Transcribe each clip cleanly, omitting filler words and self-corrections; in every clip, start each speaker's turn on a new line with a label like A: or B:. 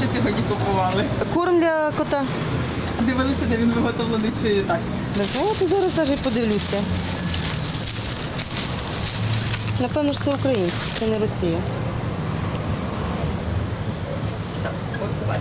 A: що сьогодні купували?
B: Корм для кота.
A: Дивилися, де він виготовлений чи так?
B: Не знаю, я зараз навіть подивлюся. Напевно ж це українське, це не Росія.
A: Так, от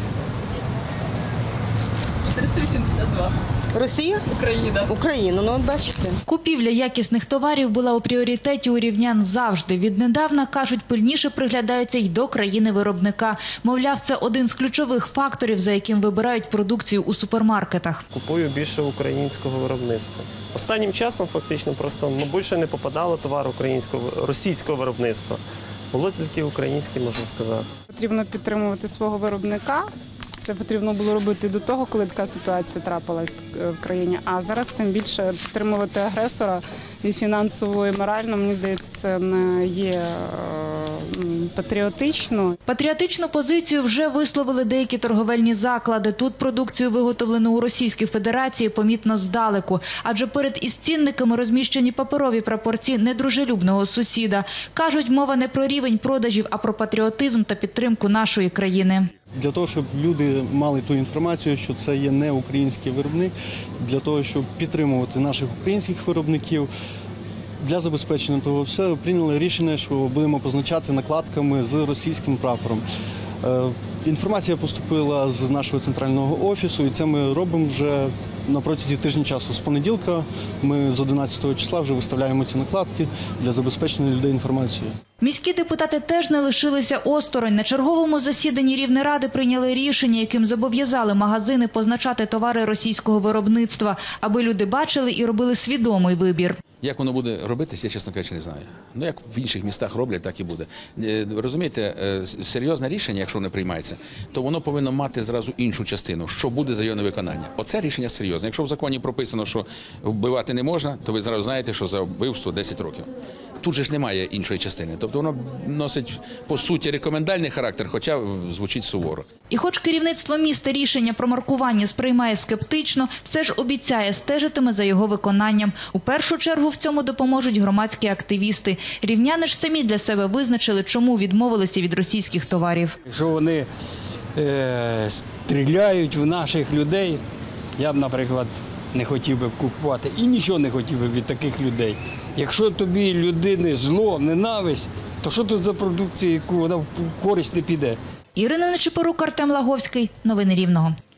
A: 472.
B: Росія?
A: Україна.
B: Україна, ну от бачите.
C: Купівля якісних товарів була у пріоритеті у рівнян завжди. Віднедавна, кажуть, пильніше приглядаються й до країни-виробника. Мовляв, це один з ключових факторів, за яким вибирають продукцію у супермаркетах.
D: Купую більше українського виробництва. Останнім часом фактично просто більше не попадало товар російського виробництва. Було тільки українське, можна сказати.
E: Потрібно підтримувати свого виробника. Це потрібно було робити до того, коли така ситуація трапилась в країні. А зараз тим більше підтримувати агресора і фінансово, і морально, мені здається, це не є патріотично.
C: Патріотичну позицію вже висловили деякі торговельні заклади. Тут продукцію, виготовлену у Російській Федерації, помітно здалеку. Адже перед із цінниками розміщені паперові прапорці недружелюбного сусіда. Кажуть, мова не про рівень продажів, а про патріотизм та підтримку нашої країни.
F: Для того, щоб люди мали ту інформацію, що це є не український виробник, для того, щоб підтримувати наших українських виробників, для забезпечення того всього прийняли рішення, що будемо позначати накладками з російським прапором. Інформація поступила з нашого центрального офісу, і це ми робимо вже на протязі тижня часу. З понеділка ми з 11 числа вже виставляємо ці накладки для забезпечення людей інформацією.
C: Міські депутати теж не лишилися осторонь. На черговому засіданні Рівнеради прийняли рішення, яким зобов'язали магазини позначати товари російського виробництва, аби люди бачили і робили свідомий вибір.
G: Як воно буде робитися, я, чесно кажучи, не знаю. Ну, як в інших містах роблять, так і буде. Розумієте, серйозне рішення, якщо воно приймається, то воно повинно мати зразу іншу частину, що буде за його невиконання. Оце рішення серйозне. Якщо в законі прописано, що вбивати не можна, то ви зразу знаєте, що за вбивство 10 років. Тут же ж немає іншої частини. Тобто воно носить, по суті, рекомендальний характер, хоча звучить суворо.
C: І хоч керівництво міста рішення про маркування сприймає скептично, все ж обіцяє, стежитиме за його виконанням. У першу чергу в цьому допоможуть громадські активісти. Рівняни ж самі для себе визначили, чому відмовилися від російських товарів.
H: Якщо вони стріляють в наших людей, я б, наприклад, не хотів би купувати і нічого не хотів би від таких людей. Якщо тобі людини зло, ненависть, то що тут за продукція, яку вона в користь не піде?
C: Ірина Нечипорук, Артем Лаговський. Новини Рівного.